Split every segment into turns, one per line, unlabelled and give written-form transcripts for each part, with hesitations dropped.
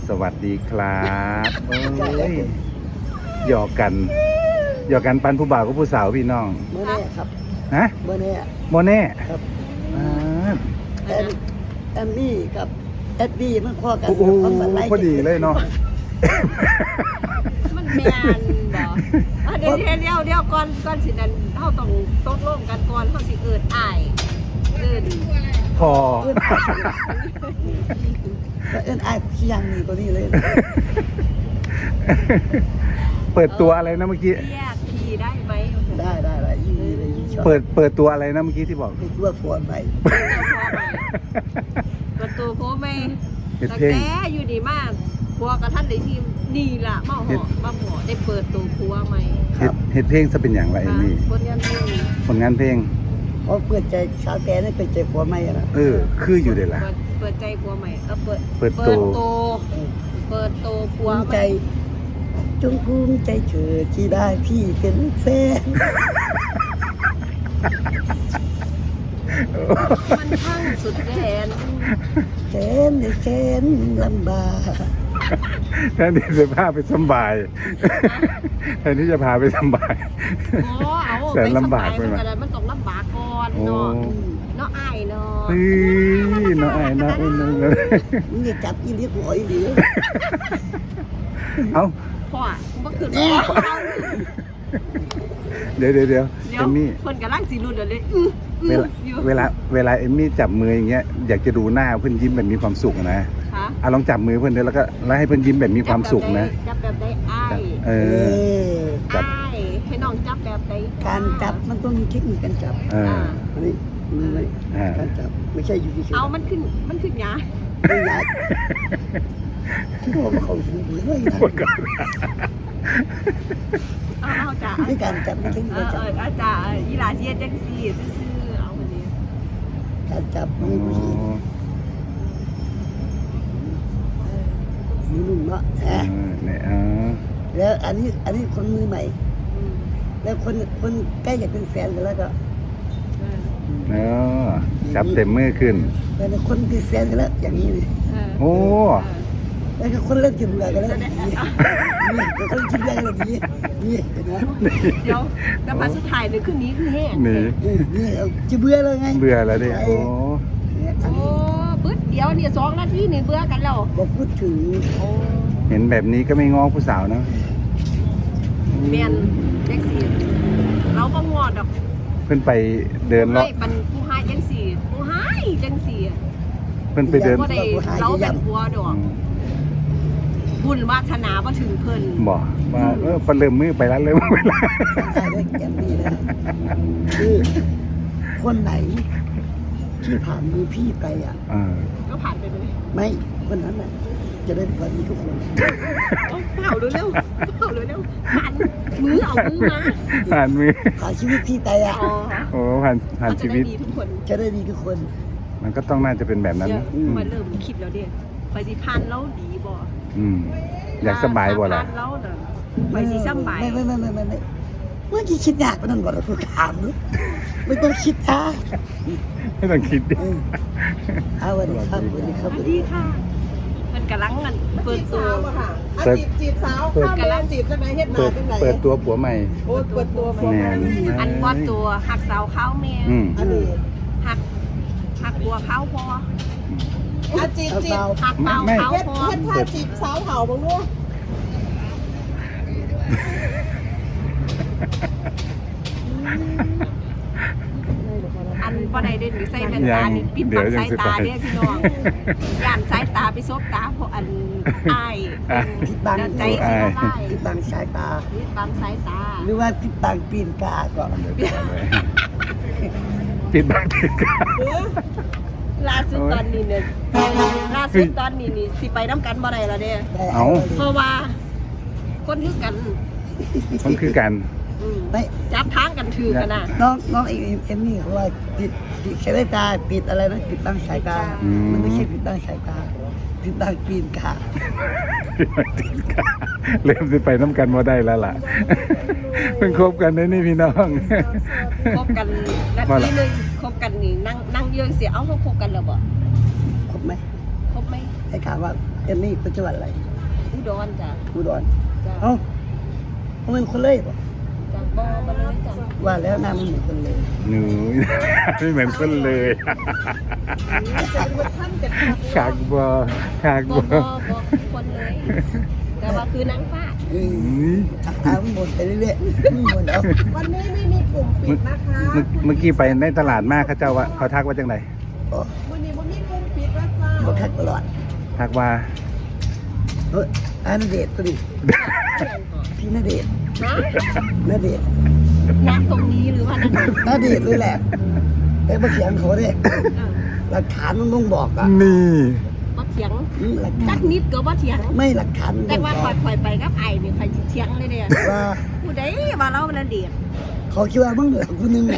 สวัสดีครับโอ้ยหยอกกันปันผู้บ่าวกับผู้สาวพี่น้อง
เมื่อแน่ครับ
ฮะ
เมื่อแน่
โมเน่
ครับ
อ่า
แอมมี่กับแอดดี้มันข้อกัน
โอ้โห
ความบันไล
พอดีเลยเนาะ
มันแมนบ่เดี๋ยวก่อนสินั้นเฮาต้องตกลงกันก่อนเฮาสิเอิ้นอ้ายเอิ้น
พอ
เอิ้นไอ้ขี้ยังนี่ตัวนี้เลย
เปิดตัวอะไรนะเมื่อกี้
แยกพี่ได้ไหม
ได้ยิ่งดีเลยยิ่งชอบ
เปิดตัวอะไรนะเมื่อกี้ที่บอก
เป็นตัวผัวใหม่
ประตูโพไม่
เฮ็ด
แต่
เพลง
แกอยู่ดีมากพัวกับท่านได้ทีมนี่ล่ะมาหอมาหอได้เปิดตัวพัวใหม่
เฮ็ดเพลงจะเป็นอย่างไรนี่
คนยันเพลง
ผลงานเพลง
เขาเปิดใจสาวแต่นี่เปิดใจผัวใหม่นะ
คืออยู่เดี๋ยวละ
เปิดใจพัวใหม่
เปิดตัว
เปิดตัวพั
ภู
ว
มิ
ให
ใจ
ม่
จงภูมิใจเธอที่ได้พี่เป็นแฟน
มันช่างสุดแสน
แสนลำบาก
แทนที่จะพาไปสบายแทนที่จะพาไปสบาย
โอ้เอา
แสนลำบากไป
ไป
ไหม
สบายมันต้องลำบากก่อน
โอ้
เนาะอ้ายเนาะ
เฮ้ยน้องไอ้น้องอุ้นน้องเลย
มึงอย่าจับอีเลี้ยหัวอีหลี
เอ้า
พ่อเมื่อคืน
เดี๋ยวเอมมี่
คนกำลังสีรุ่นเลย
เวลาเอมมี่จับมืออย่างเงี้ยอยากจะดูหน้าเพื่อนยิ้มแบบมีความสุขนะอ่ะลองจับมือเพื่อนเดี๋ยวแล้วให้เพื่อนยิ้มแบบมีความสุขนะ
จับแบบได้อ้าย
เออ จับ
อ้ายให้น้องจับแบบได้
การจับมันต้องมีเทคนิคการจับ
เออ
อันนี้มือไหมการจับไม่ใช่อยู่ที่เฉย
เอามันขึ้นยา
ไม่ยากที่บอกว่าเขาถึงเลย
เอาจ้า
ในการจับไม่ใช่การจับ
อาจารย์ยีราเชียจังซี่ซื่อเอาคนนี้
การจับมือผู้หญิงมือนุ่มเนาะ
เนี่ย
แล้วอันนี้คนมือใหม่ แล้วคนใกล้จะเป็นแฟนกันแล้วก็
จับเต็มมือขึ้น
แต่คนเป็นแฟนกันแล้วอย่างนี้เลย
โอ้
แล้วก็คนเริ่มจะเบื่อกันแล้วนี่คนจะเบื่อกันแบบนี้นี่เห็นไหม
เดี๋ยวแต่มาสุดท้ายเลยขึ้นนี้คือแห้ง
นี่
นี่จะเบื่อเลยไง
เบื่อแล้วดิโอ้
อัน
โอ้
นี้
ปึ๊ดเดี๋ยวเนี่ย2 นาทีนี่เบื่อกันแล้ว
บอกพูดถึง
โอ้
เห็นแบบนี้ก็ไม่ง้อผู้สาวนะ
เมียนเด็กสี่เราก็งอดอก
เพื่อนไปเดินเลาะ
ให้ปันผู้ให้จังสี่ผู้ให้จังสี่
เพื่อนไปเดิน
บ่ได้เราเป็นผัวดอกบุญวาสนาบ่ถึงเพิ่น
บอกว่าพอเริ่มมือไปแล้วเริ่มไปแล้ว
ได้เลยแกมนี่นะคือคนไหนที่ผ่านมือพี่ไปอ่ะ
ก็ผ่านไปเลย
ไม่คนนั้นน่ะจะได้ผลดีทุกคน
เผาเร็วๆเผาเร็วๆผ่านมือเอามือมา
ผ่านมือ
ผ่านชีวิตพี่ไปอ่ะ
อ๋อ
โอ้ผ่านชีวิต
ดีทุกคน
จะได้ดีทุกคน
มันก็ต้องน่าจะเป็นแบบนั้น
เดี๋ยว
นะ
มาเริ่มคิดแล้วเด้ไปสิผ่านแล้วดีบ่
อยากสบายบ่ล่ะ
ผ่านแล้วน่ะไปสิสบาย
ไม่เมื่อกี้คิดยากไปนั่นบ่ล่ะกูถามเลยไม่ต้องคิดท่า
ไม่ต้องคิดดิ
เอาวันนี้ครับวันนี้ครับ
สวัสดีค่ะมันกำลังกันเปิดตัว
จีบสาวข้ามแดนจีบจังไหนเฮ็ดนาจังไหน
เปิดตัวผัวใหม่
โอ้เปิดตัว
แน่
อันว่าตัวหักสาวเขาแม่
อันนี้
หักบัวเขาพอ
จีบ
หักเบาเขา
เฮ็ด
พอ
ท่าจีบสาวเห่าบ้างเนาะ
อันว่าใดเด่นใส่แว่นตานี่ปิดบังสายตาเนี่ยพี่น้องย่านสายตาไปซบตาเพราะอันอ้าย
ปิดบัง
ใจสิละลาย
ปิดบังสายตา
ปิดบังสายตา
หรือว่าปิดบังปีนกาก่อน
ปิดบังติดกัน
ล่าสุดตอนนี้เนี่ยล่าสุดตอนนี้นี่สิไปน้ำกันบ่ได้แล้วเด้
เอา
เพราะว่าคนคือกัน
มันคือกัน
ไม่
จับทางกันถือกันน่ะ
น้องเอ็มนี่เขาว่าปิดสายตาปิดอะไรนะปิดบังสายตา มันไม่ใช่ปิดบังสายตาปิดบังปีนกา
เริ่มสิไปน้ำกันมาได้แล้วล่ะเพิ่งคบกันได้นี่พี่น้อง
คบกันนาทีนึงคบกันนี่นั่งเยอะเสียเอาเขาคบกันแล้วบ่
ครบไหม
คบไหม
ให้ถามว่าเอ็มนี่เป็นจังหวัดอะไร
อุดรจ้ะ
อุดร
จ้ะ
เอ้าเขาเป็นคนเลยป่ะ
จากบ่มาเลยจ้ะ
ว่าแล้วหน้ามันเหมือนคนเลย
หนู ไม่เหมือนคนเลย
จะเป็นท่านกัน
ขากบอขาก
บ่
บ
บ่
อ
บ่คนเลย แต่ว่าคือนางฟ้า
มันหมดไปเรื่อยๆมันหมดเอา
วันนี้ไม่มีกลุ่มปิดนะคะ
เมื่อกี้ไปในตลาดมากเขาเจ้าว่าเขาทักว่าจังได
อ๋อ
วันนี้มันมีกลุ่มปิดแล้วจ้า
บอกคักตลอด
ทักว่า
เฮ้ยอันเดชตัวนี้พี่ณเดชน์
ฮะ
ณเดชน์
นักตรงนี้หรือว่านัก
ณเดชน์เลยแหละแต่มาเถียงเขาเนี่ยหลักฐานมันต้องบอกอ่ะ
นี่
บ่เถียง
หลัก
จั
ฐาน
กนิดก็บ่เถียง
ไม่หลักฐานมัน
แต่
ต้อง
ว่า
บอก
ข่อยไปกับไอ้นี่ข่อยสิเถียงเลยเด้อ
ว่า
ผู้ใดว่าเราเป็นเด็ก
เขาคิดว่ามึงเหลือกูนึงเนี่ย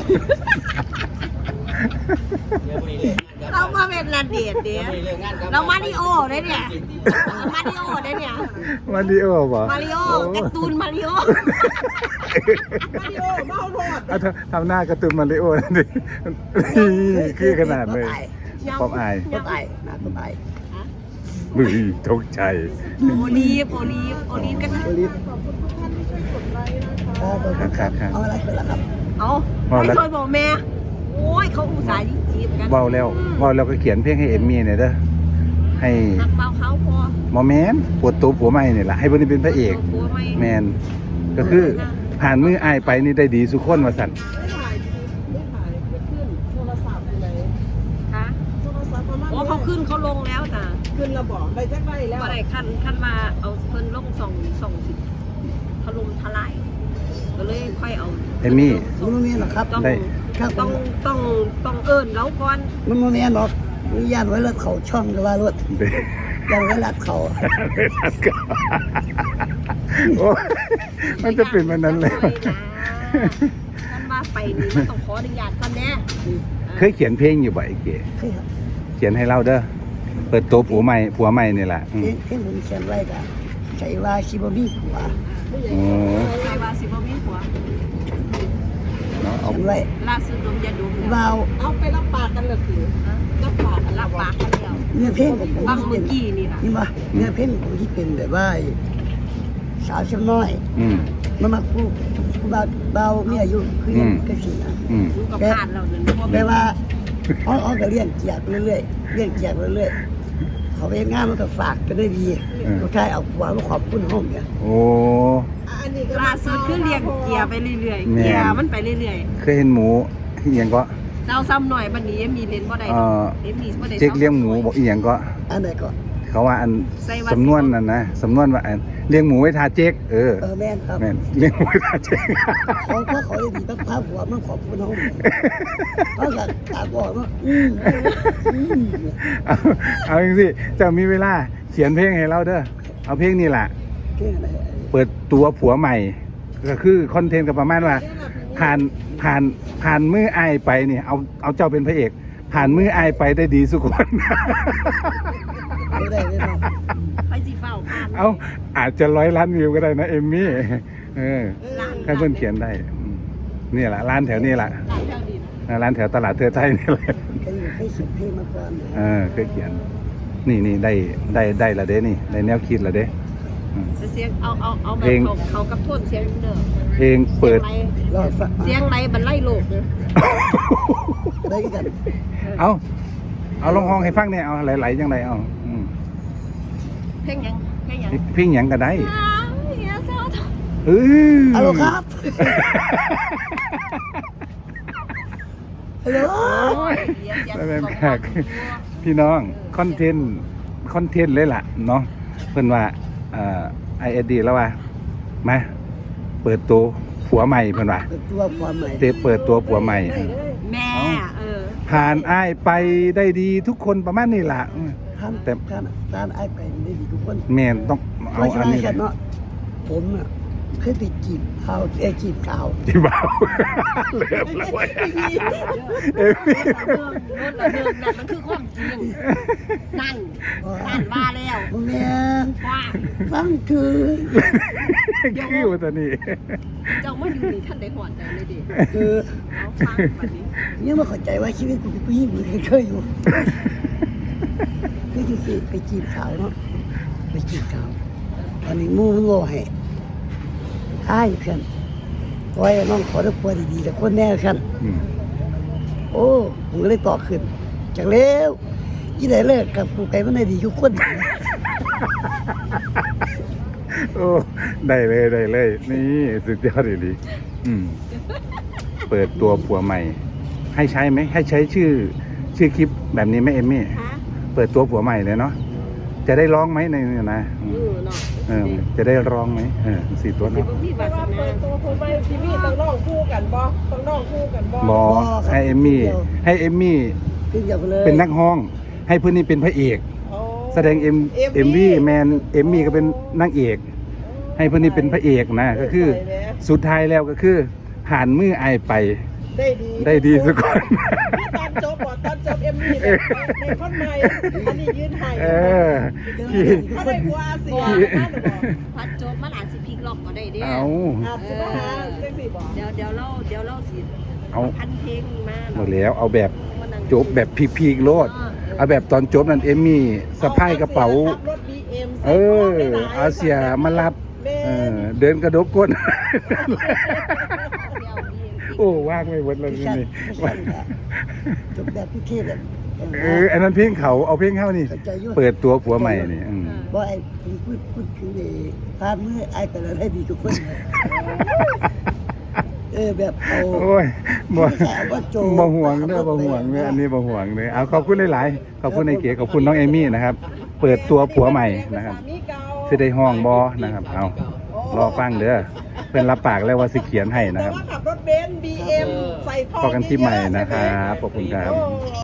เรามาเป็นระเดียดเดียวเรามาริโอได้เนี่ยมาริโอได้เนี่ย
มาริโอบ่
มาริโอการ์ตูนมาริโอ
มาริโอเมาโทษ
เอาทำหน้าการ์ตูนมาริโอนั่นดินี่คือขนาดเลยป๊อปอาย
ก็ตายนะก็ตาย
บึ้ยตกใจ
โอลีฟกัน
โอลิฟ
ขอบคุณทุกท่านที่ช่วยกดไลค์นะคะ
ครับ
เอาอะไรเสร็จแล้วครับ
เอาไม่ช่วยบอกแม่โอ้ยเขาอุตส่าห์จีบกัน
เบาแล้วก็เขียนเพลงให้เอมมี่หน่อยเด้อให้
หักเบาเขาพอ
หมอแมนปวดตัวผัวใหม่นี่แหละให้เพิ่นได้เป็นพระเอก
ผัวไม่
แมนก็คือผ่านมืออายไปนี่ได้ดีสุกคนว่าสั่น
ไม่ถ่ายไม่ถ่ายไม่ขึ้นโทรศัพท์อยู่ไหน
คะ
โทรศัพท์ประมาณ
โอ้เขาขึ้นเขาลงแล้วจ้ะ
ขึ้นระบอกได้จักได้แล้ว
ว่าไรขั้นมาเอาเพิ่นลงส่งสิถล่มทลายก็เลยค่อยเอา
เอมมี่
มันไม่มีหรอกครับ
ต้อง
ได้
ต้องเอิ้นแล้วก่อน
มันไม่มีหรอกมีญาติไว้รถเขาช่องหรือว่ารถ
เด้
ยังไว้รัดเขา
โอ้ยมันจะเป็นแบบนั้นเลย
ท่านว่าไปนี่มันต้องขออนุญาตก่อนแน่
เคยเขียนเพลงอยู่บ่ไอ้เก๋
เคยครับ
เขียนให้เราเด้อเปิดตัวผัวใหม่นี่แหละอืม
เพลงผมเขียนไว้กับใช้ว่าชิบะบี้ผัว
โอ้
ใครว่าสิบ่มีผัว
เนาะเอา
เขียนไว้
ล่าสุดดมยาดม
วาว
เอาไปรับปากกันเลยคือ
รับปากกันแล้ว
เนื้อเพลงของผม
บาง
ที่
เมื่
เป็
อน กี้นี่ล่ะ
นี่มาเนื้อเพลงของผมที่เป็นแบบว่าสาวชั้นน้อย
อืม
มันมาพูดเบามีอายุคือยังก็สินะ
อืม
มึงก็ผ่านเราเดินบ่
แปลว่าเอาก็เลี้ยงเกียรติเรื่อยๆเลี้ยงเกียรติเรื่อยๆเขาไปงานมันก็ฝากกันได้ดีเขาใช้เอาหวังขอบคุณห้องเนี่ย
โอ้
อันนี้ก็
ล่าสุดคือเรียกเกียร์ไปเรื่อยๆเกียร์มันไปเรื่อย
เคยเห็นหมูอีหยังก็
ๆเราซ้ำหน่อยบัดนี้มีเลนบ่ได้มีบ่ได้
เจ๊กเลี้ยงหมูบอกอีหยังก็
อันไหนก็
เขาว่าอันสำนวนนั่นนะสำนวนว่าอันเลี้ยงหมูไว้ทาเจ๊ก
แม่นครับ
แม่นเลี้ยงหมูไว้ทาเจ๊ก
เขาได้ดีต้องภาพหัวมันขอบคุณห้องเขาก็ตาบอกว่า
เอาจริงสิจะมีเวลาเขียนเพลงให้เราเด้อเอาเพลงนี่แหละ
เก่งอะไร
เปิดตัวผัวใหม่ ก็คือคอนเทนต์กับประมาณว่า ผ่านมืออายไปเนี่ยเอาเจ้าเป็นพระเอก ผ่านมืออายไปได้ดีสุกคน
ไม่ได้เลยเนาะ
ไปสิเฝ้าผ่าน
เอาอาจจะ100 ล้านวิวก็ได้นะเอมมี่ให้เพื่อนเขียนได้นี่แหละร้านแถวนี้แหละร้านแถวตลาดเทือไทยนี่แหละ
เคยเขียนเพลงมาก่อน
เคยเขียนนี่ได้ละเด้นี่ได้แนวคิดละเด้
เสียงเอาแบบเขากับโทษเสียงเด้อ
เพลงเปิด
รอดฟัง
เสียงไรบันไล่โลกเด้อ
ได้กัน
เอาลองห้องให้ฟังเนี่ยเอาไหลๆจังไรเอา
เพลงยังเพลงยัง
เพลงหยังก็ได้
เฮียเศร้า
ฮัลโหลครับฮัลโหล
แล้วแม่แขกพี่น้องคอนเทนต์เลยล่ะเนาะเพิ่นว่าISD แล้วว่ามาเปิดตัวผัวใหม่เพิ่นว่า
ตัวความใหม่
เปิดตัวผัวใหม่
แม่
ผ่านอ้ายไปได้ดีทุกคนประมาณนี้ล่ะ
แต่การไอ้ไปได้ดีทุกคน
แม่นต้องเอาอันนี้
เนาะผมอ่ะเคยไปจีบเขาจีบเก่า
ที่บ่าวเลิฟแล้วเว้ย
เรื่องนั่นมันคือความจริงนั่นว่าแล้ว
แม่
ว่า
ฟังคือ
คือว่าตอนนี้
เจ้าไม่อยู่ในท่านได้หอดใจเลยดิ
คือ
เอาฟังแบบนี้
ยังไม่เข้าใจว่าชีวิตกูเป็นผู้หญิงหรือเคยอยู่คืออยู่สิไปจีบสาวเนาะไปจีบเขาตอนนี้หมู่มันบ่ให้อ้ายเพื่อนขอให้น้องขอได้ผัวดีๆแต่คนแน่กัน
อืม
โอ้ผมก็เลยต่อขึ้นจากแล้วยี่ได้เลิกกับกูไก่มันได้ดีทุกคน
โอ้ได้เลยนี่สุดยอดดีอืมเปิดตัวผัวใหม่ ให้ใช้ไหมให้ใช้ชื่อคลิปแบบนี้ไหมเอมมี่
ฮะ
เปิดตัวผัวใหม่เลยเนาะจะได้ร้องไหมในนี่นะ
เนาะ
จะได้ร้องไหมสี่ตัว
สิ
เนาะ
บ่มี
แต่
วาส
ว่า
นา
เปิดตัวคนไปทีวีต้องน้องคู่กันบ่ต้องน้องคู่กันบ่
บอให้เอมมี่
ขึ้นเดียวกันเลย
เป็นนักห้อง ให้เพื่อนนี่เป็นพระเอก
โอ้
แสดงเอ็มวีแมนเอมมี่ก็เป็นนางเอก ให้เพื่อนนี่เป็นพระเอกนะก็คือสุดท้ายแล้วก็คือผ่านมือไอายไป ได้ดีสักคน
พี่ตอนจบตอนจบเอ็มวีในคนใหม่อันนี้ยืนไห้
เออที่
เขาได้กว่าเสีย
พัดจบมันอาจสิพลิกล็อกก็ได้เด้
เอา
อาจจะมาหาเซ็กซี่บ่
เดี๋ยวเราสิ
เอา
พันเพลงมา
หมดแล้วเอาแบบจบแบบพีกๆโลดเอาแบบตอนจบนั่นเอมมี่สะพายกระเป๋า
ขับรถ BM
เออเอาเสียมารับเดินกระดกก้น โอ้ว่างไม่หมดเลย
พี่
นี่
ชัดจบแบบพี่เทพแบบ
อันนั้นเพลงเขาเอาเพลงเข้านี่ เปิดตัวผัวใหม่นี่อืม
บ่ไอ้ผมพูดคือพาดมือไอ้แต่ละได้ดีทุกคนเลยแบบเอา
โอ้ยบ่
ว่าโจ
บ่ห่วงเด้อบ่ห่วงเด้ออันนี้บ่ห่วงเลยเอาขอบคุณหลายๆขอบคุณไอ้เก๋ขอบคุณน้องเอมี่นะครับ เปิดตัวผัวใหม่นะครับสิได้ห้องบ่นะครับเอารอฟังเด้อเพิ่นรับปากแล้วว่าสิเขียนให้นะ
แต่
ครับ
ว่าขับรถเบนซ์ BM ใส่ท่อ
พอกันที่ใหม่นะครับขอบคุณครับ
โอ้